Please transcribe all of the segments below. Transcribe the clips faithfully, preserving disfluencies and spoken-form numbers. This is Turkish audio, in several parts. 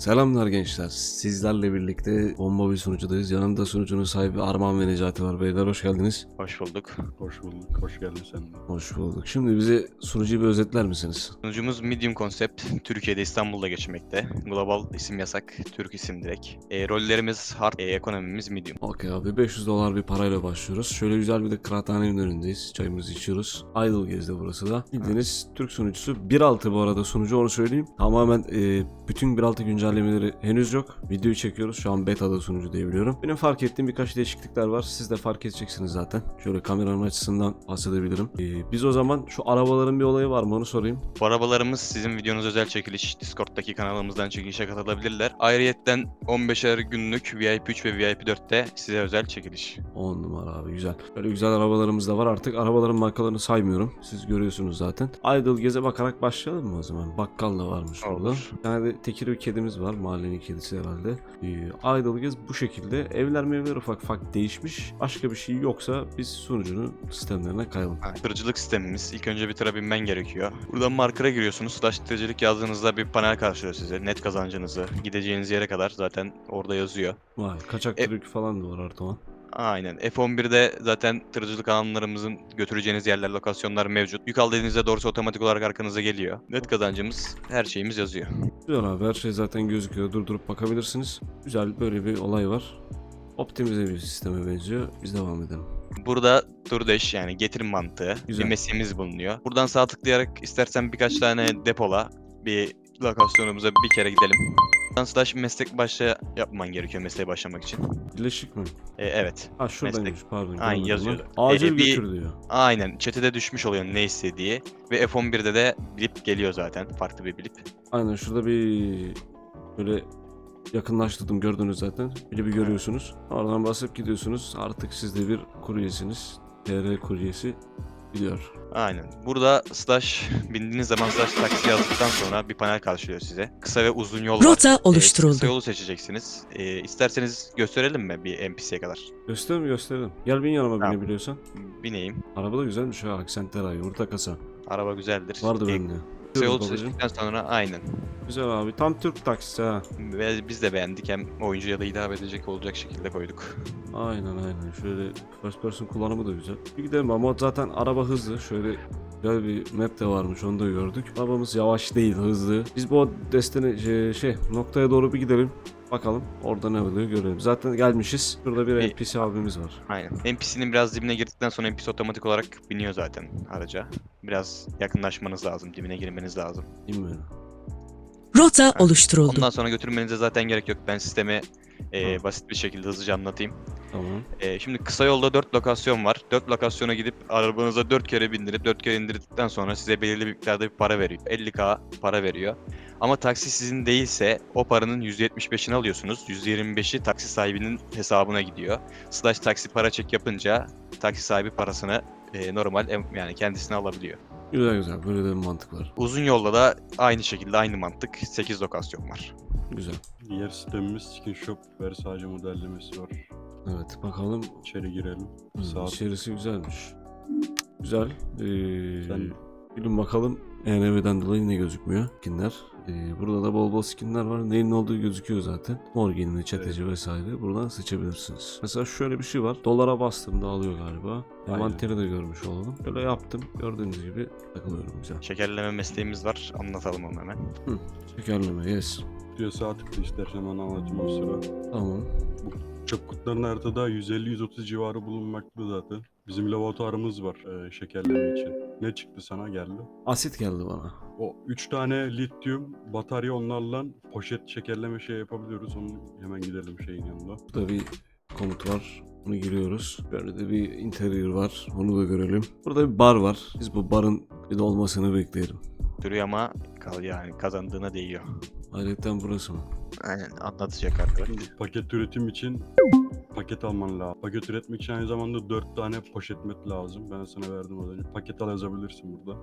Selamlar gençler. Sizlerle birlikte bomba bir sunucudayız. Yanımda sunucunun sahibi Arman ve Necati var. Beyler hoş geldiniz. Hoş bulduk. Hoş bulduk. Hoş geldin sen de. Hoş bulduk. Şimdi bize sunucuyu bir özetler misiniz? Sunucumuz Medium Concept. Türkiye'de İstanbul'da geçmekte. Global isim yasak. Türk isim direkt. E, rollerimiz hard. E, ekonomimiz medium. Okey abi, beş yüz dolar bir parayla başlıyoruz. Şöyle güzel bir de kıraathanenin önündeyiz. Çayımızı içiyoruz. Idle Gez'de burası da. Bildiğiniz Türk sunucusu. bir altı bu arada sunucu, onu söyleyeyim. Tamamen e, bütün bir altı güncellemeleri henüz yok. Videoyu çekiyoruz. Şu an beta'da sunucu diye biliyorum. Benim fark ettiğim birkaç değişiklikler var. Siz de fark edeceksiniz zaten. Şöyle kameranın açısından bahsedebilirim. E, biz o zaman şu arabaların bir olayı var mı onu sorayım. Bu arabalarımız sizin videonuz özel çekiliş. Discord'daki kanalımızdan çekilişe katılabilirler. Ayrıyetten on beşer günlük V I P üç ve V I P dörtte size özel çekiliş. on numara abi, güzel. Böyle güzel arabalarımız da var. Artık arabaların markalarını saymıyorum. Siz görüyorsunuz zaten. Idle Gez'e bakarak başlayalım mı o zaman? Bakkal da varmış Olur. burada. Bir tane de tekir bir kedimiz var. Mahallenin kedisi herhalde. Ee, Idle Gez bu şekilde. Evler mevler ufak ufak değişmiş. Başka bir şey yoksa biz sunucunun sistemlerine kayalım. Ha, Tırcılık sistemimiz. İlk önce bir tıra binmen gerekiyor. Buradan markera giriyorsunuz. Slash tırcılık yazdığınızda bir panel karşılıyor size. Net kazancınızı, gideceğiniz yere kadar zaten orada yazıyor. Vay, kaçak E- tırık falan da var artık o. Aynen. F on birde zaten tırcılık alanlarımızın götüreceğiniz yerler, lokasyonlar mevcut. Yük al dediğinizde doğrusu otomatik olarak arkanıza geliyor. Net kazancımız, her şeyimiz yazıyor. Güzel abi, her şey zaten gözüküyor. Durdurup bakabilirsiniz. Güzel, böyle bir olay var. Optimize bir sisteme benziyor. Biz devam edelim. Burada DoorDash yani getirim mantığı Güzel. bir mesleğimiz bulunuyor. Buradan sağ tıklayarak istersen birkaç tane depola bir lokasyonumuza bir kere gidelim. Buradan slash meslek başla yapman gerekiyor mesleğe başlamak için. Birleşik mi? E, evet. Ha şuradaymış, Meslek- pardon. Aynen, görmedim yazıyordu. ben. Acil Ee, bir- götür diyor. Aynen. Chat'e düşmüş oluyor ne istediği. Ve F on birde de blip geliyor zaten. Farklı bir blip. Aynen, şurada bir böyle yakınlaştırdım, gördünüz zaten. Bir bir görüyorsunuz. Oradan basıp gidiyorsunuz. Artık siz de bir kuryesiniz. T R kuryesi gidiyor. Aynen. Burada slash bindiğiniz zaman slash taksi yazdıktan sonra bir panel karşılıyor size. Kısa ve uzun yol var. Rota Ee, oluşturuldu. kısa yolu seçeceksiniz. Ee, isterseniz gösterelim mi bir N P C'ye kadar? Gösterelim gösterelim. Gel bin yanıma, Tamam. binebiliyorsan. Bineyim. Araba da güzelmiş ha. Aksentler ay. Yumurta kasa. Araba güzeldir. Vardı Ee, bende. Kısa yolu Babacım. seçtikten sonra aynen. Güzel abi. Tam Türk taksisi ha. Ve biz de beğendik. Hem oyuncuya da hitap edecek olacak şekilde koyduk. Aynen aynen. Şöyle first person kullanımı da güzel. Bir gidelim ama zaten araba hızlı. Şöyle güzel bir map de varmış, onu da gördük. Arabamız yavaş değil, hızlı. Biz bu destine şey, şey noktaya doğru bir gidelim. Bakalım orada ne oluyor görelim. Zaten gelmişiz. Şurada bir Bir- N P C abimiz var. Aynen. N P C'nin biraz dibine girdikten sonra N P C otomatik olarak biniyor zaten araca. Biraz yakınlaşmanız lazım. Dibine girmeniz lazım. Bilmiyorum. Rota oluşturuldu. Ondan sonra götürmenize zaten gerek yok. Ben sistemi e, Hı. basit bir şekilde hızlıca anlatayım. Tamam. E, şimdi kısa yolda dört lokasyon var. dört lokasyona gidip arabanıza dört kere bindirip dört kere indirdikten sonra size belirli bir miktarda bir para veriyor. elli bin para veriyor. Ama taksi sizin değilse o paranın yüzde yetmiş beşini alıyorsunuz. yüzde yirmi beşi taksi sahibinin hesabına gidiyor. Slash taksi para çek yapınca taksi sahibi parasını e, normal em- yani kendisine alabiliyor. Güzel güzel. Böyle de bir mantık var. Uzun yolda da aynı şekilde aynı mantık. sekiz lokasyon var. Güzel. Diğer sistemimiz Skin Shop Versace modellemesi var. Evet bakalım. İçeri girelim. Hı, Sağ içerisi güzelmiş. Güzel. Ee, Sen- Bilin bakalım E N V'den dolayı ne gözükmüyor? Skinler. Ee, burada da bol bol skinler var. Neyin olduğu gözüküyor zaten. Mor giyimli, çeteci vesaire. Buradan seçebilirsiniz. Mesela şöyle bir şey var. Dolara bastığımda alıyor galiba. Aynen. Envanteri de görmüş olalım. Böyle yaptım. Gördüğünüz gibi takılıyorum güzel. Şekerleme mesleğimiz var. Anlatalım onu hemen. Şekerleme yes. diyor sağ tıkla istersen onu anlatayım o sıra. Tamam. Çöp kutuların haritada yüz elli yüz otuz civarı bulunmakta zaten. Bizim laboratuvarımız var e, şekerleme için. Ne çıktı sana geldi? Asit geldi bana. O üç tane lityum batarya, onlarla poşet şekerleme şey yapabiliyoruz. Onu hemen gidelim şeyin yanında. Burada bir komut var. Bunu giriyoruz. Böyle de bir interior var. Onu da görelim. Burada bir bar var. Biz bu barın bir de olmasını bekleyelim. Duruyor ama kal yani kazandığına değiyor. Ayrıca burası mı? Aynen anlatacak arkadaş. Paket üretim için paket alman lazım. Paket üretmek için aynı zamanda dört tane poşet met lazım. Ben sana verdim az önce. Paket al yazabilirsin burada.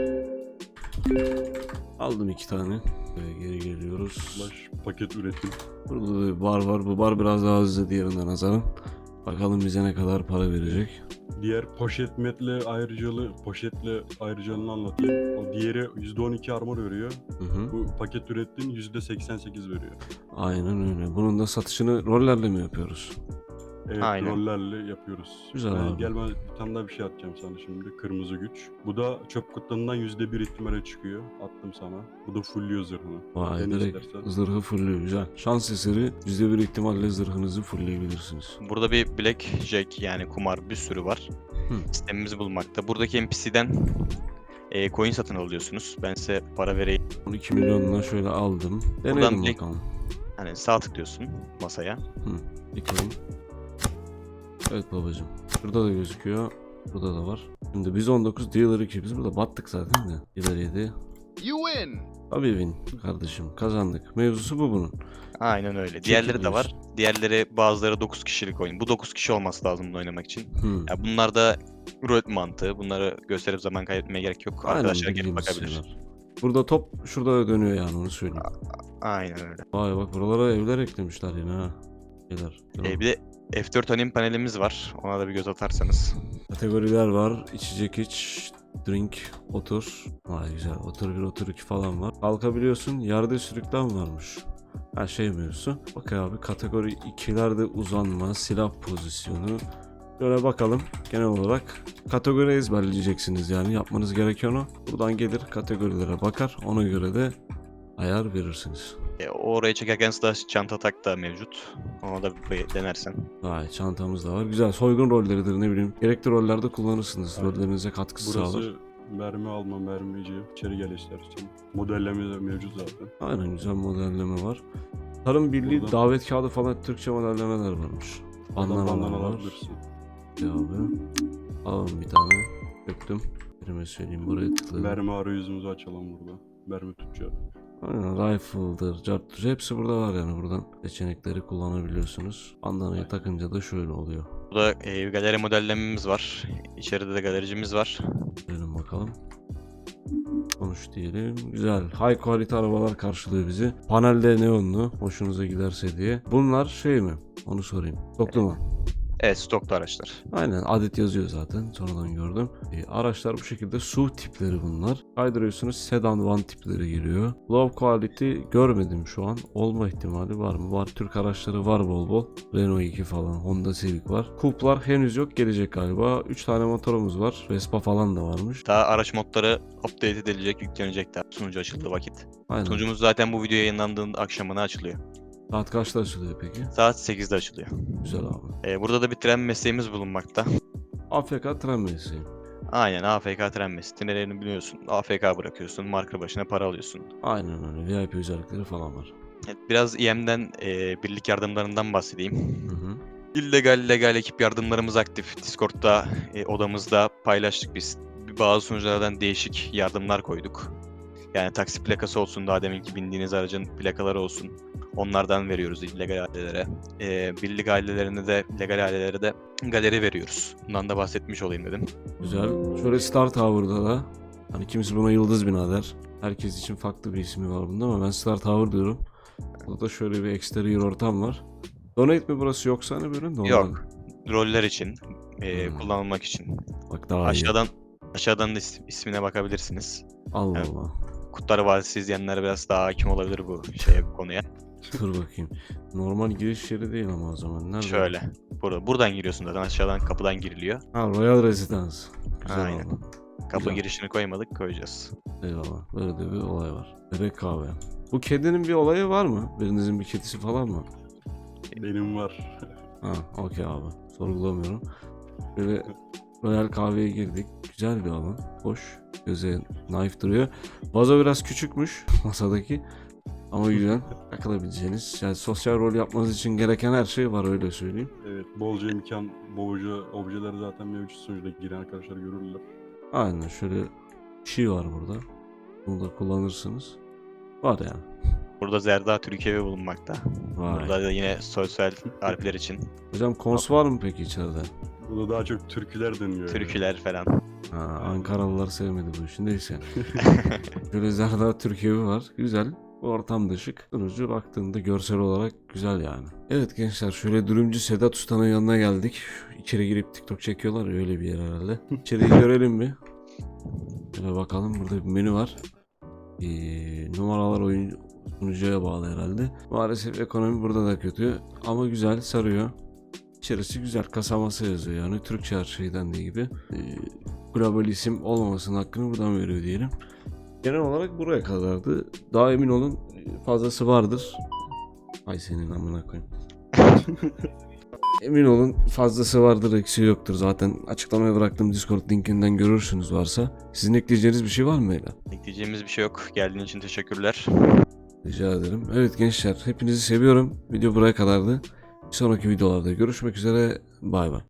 Aldım iki tane. Ve geri geliyoruz. Slash paket üretim. Burada da bir bar var. Bu bar biraz daha hızlı diğerinden nazaran. Bakalım bize ne kadar para verecek. Diğer poşet metle ayrıcalığı, poşetle ayrıcalığını anlatayım. O diğeri yüzde on iki armor veriyor. Hı hı. Bu paket ürettiğin yüzde seksen sekiz veriyor. Aynen öyle. Bunun da satışını rollerle mi yapıyoruz? Evet, Aynen. rollerle yapıyoruz. Güzel ben, abi. Gel ben bir tane daha bir şey atacağım sana şimdi. Kırmızı güç. Bu da çöp kutularından yüzde bir ihtimale çıkıyor. Attım sana. Bu da fullüyor zırhını. Vay, Dene direkt istersen. zırhı fullüyor. Güzel. Şans eseri yüzde bir ihtimalle zırhınızı fullleyebilirsiniz. Burada bir blackjack yani kumar bir sürü var. Hı. Sistemimizi bulmakta. Buradaki N P C'den e, coin satın alıyorsunuz. Ben size para vereyim. on iki milyonuna şöyle aldım. Buradan Deneyelim direkt- bakalım. Hani sağ tıklıyorsun masaya. Bakalım. Evet babacım. Şurada da gözüküyor. Burada da var. Şimdi biz on dokuz, dealer iki. Biz burada battık zaten de. Dealer yedi. You win. Tabii win kardeşim. Kazandık. Mevzusu bu bunun. Aynen öyle. Diğerleri de diyorsun. var. Diğerleri bazıları dokuz kişilik oyun. Bu dokuz kişi olması lazım bunu oynamak için. Hmm. Ya bunlar da rulet mantığı. Bunları gösterip zaman kaybetmeye gerek yok. Aynen, Arkadaşlar gelip bildiğimiz bakabilir. şeyler. Burada top şurada da dönüyor yani, onu söyleyeyim. Aynen öyle. Vay bak, buralara evler eklemişler yine ha. Şeyler. Ee, bir de F dört anim panelimiz var. Ona da bir göz atarsanız. Kategoriler var. İçecek iç, drink, otur. Vay güzel. Otur bir, otur iki falan var. Kalkabiliyorsun. Yerde sürüklen varmış. Her şey mevzusu. Bak abi, kategori ikilerde uzanma, silah pozisyonu. Şöyle bakalım. Genel olarak kategori ezberleyeceksiniz yani. Yapmanız gereken o. Buradan gelir kategorilere bakar. Ona göre de ayar verirsiniz. Ee, oraya çekerken slash çanta tak da mevcut. Ona da bir denersen. Vay, çantamız da var. Güzel. Soygun rolleridir, ne bileyim. Gerekli rollerde kullanırsınız. Rollerinize katkısı sağlar. Burası mermi alma, mermici. İçeri gel istersen. Modelleme de mevcut zaten. Aynen, güzel modelleme var. Tarım Birliği Buradan- davet kağıdı falan, Türkçe modellemeler varmış. Buradan Bandanalar bandana var. alabilirsin. Ya abi. Alalım bir tane. Döktüm. Birime söyleyeyim, buraya tıkladım. Mermi arayüzümüzü açalım burada. Mermi tutacağı. Aynen, rifle'dır, carttır. Hepsi burada var yani, buradan seçenekleri kullanabiliyorsunuz. Bandanayı takınca da şöyle oluyor. Burada e, galeri modellememiz var. İçeride de galericimiz var. Görelim bakalım. Konuş diyelim. Güzel. High quality arabalar karşılıyor bizi. Panelde neonlu. Hoşunuza giderse diye. Bunlar şey mi? Onu sorayım. Toplu mu? Evet, stoklu araçlar. Aynen, adet yazıyor zaten, sonradan gördüm. E, araçlar bu şekilde, S U V tipleri bunlar. Kaydırıyorsunuz, sedan van tipleri giriyor. Low quality görmedim şu an. Olma ihtimali var mı? Var, Türk araçları var bol bol. Renault iki falan, Honda Civic var. Coup'lar henüz yok, gelecek galiba. üç tane motorumuz var. Vespa falan da varmış. Daha araç modları update edilecek, yüklenecek daha sunucu açıldığı vakit. Aynen. Sunucumuz zaten bu video yayınlandığında akşamına açılıyor. Saat kaçta açılıyor peki? Saat sekizde açılıyor. Güzel abi. Ee, burada da bir tren mesleğimiz bulunmakta. A F K tren mesleği. Aynen, A F K tren mesleği. Trenlerini biliyorsun. A F K bırakıyorsun. Marka başına para alıyorsun. Aynen öyle. V I P özellikleri falan var. Evet, biraz E M'den e, birlik yardımlarından bahsedeyim. Hı hı. İllegal, legal ekip yardımlarımız aktif. Discord'da, e, odamızda paylaştık biz. Bazı sunuculardan değişik yardımlar koyduk. Yani taksi plakası olsun, daha deminki bindiğiniz aracın plakaları olsun. Onlardan veriyoruz illegal ailelere. Ee, birlik ailelerine de, legal ailelere de galeri veriyoruz. Bundan da bahsetmiş olayım dedim. Güzel. Şöyle Star Tower'da da, hani kimisi buna Yıldız Bina der. Herkes için farklı bir ismi var bunda ama ben Star Tower diyorum. Burada da şöyle bir exterior ortam var. Donate mi burası, yoksa hani böyle normal? Yok. Roller için, e, Hmm. kullanılmak için. Bak daha iyi. Aşağıdan aşağıdan da is- ismine bakabilirsiniz. Allah Evet. Allah. Kutlar Vadisi izleyenler biraz daha hakim olabilir bu şeye, bu konuya. Dur bakayım. Normal giriş yeri değil ama o zaman. Nerede? Şöyle. Burada, buradan giriyorsun zaten. Aşağıdan kapıdan giriliyor. Ha, Royal Residence. Güzel Aynen. valla. Kapı Güzel. girişini koymadık, koyacağız. Eyvallah. Böyle de bir olay var. Bebek kahve. Bu kedinin bir olayı var mı? Birinizin bir kedisi falan mı? Benim var. Ha, okey abi. Sorgulamıyorum. Böyle Royal kahveye girdik. Güzel bir alan. Hoş. Göze naif duruyor. Vazo biraz küçükmüş masadaki. Ama güzel. Takılabileceğiniz. Yani sosyal rol yapmanız için gereken her şey var, öyle söyleyeyim. Evet, bolca imkan, bolca objeler zaten mevcut sunucuda, giren arkadaşlar görürler. Aynen, şöyle bir şey var burada. Bunu da kullanırsınız. Var yani. Burada Zerda Türkiye'ye bulunmakta. Vay. Burada da yine sosyal harfler için Hocam kons var mı peki içeride? Burada daha çok türküler dönüyor. yani. türküler falan. Ha, Ankaralılar sevmedi bu işi. Neyse. Şöyle Zerda Türkiye'vi var. Güzel. Ortam da şık. Sunucu baktığında görsel olarak güzel yani. Evet gençler, şöyle dürümcü Sedat Usta'nın yanına geldik. İçeri girip TikTok çekiyorlar ya, öyle bir yer herhalde. İçeriği görelim mi? Şöyle bakalım, burada bir menü var. Ee, numaralar oyun sunucuya bağlı herhalde. Maalesef ekonomi burada da kötü ama güzel, sarıyor. İçerisi güzel, kasaması yazıyor yani Türkçe her şeyden dediği gibi. Ee, global isim olmamasının hakkını buradan veriyor diyelim. Genel olarak buraya kadardı. Daha emin olun fazlası vardır. Ay senin amına koyayım. Emin olun fazlası vardır, eksiği yoktur. Zaten açıklamaya bıraktığım Discord linkinden görürsünüz varsa. Sizin ekleyeceğiniz bir şey var mı Ela? Ekleyeceğimiz bir şey yok. Geldiğin için teşekkürler. Rica ederim. Evet gençler, hepinizi seviyorum. Video buraya kadardı. Bir sonraki videolarda görüşmek üzere. Bay bay.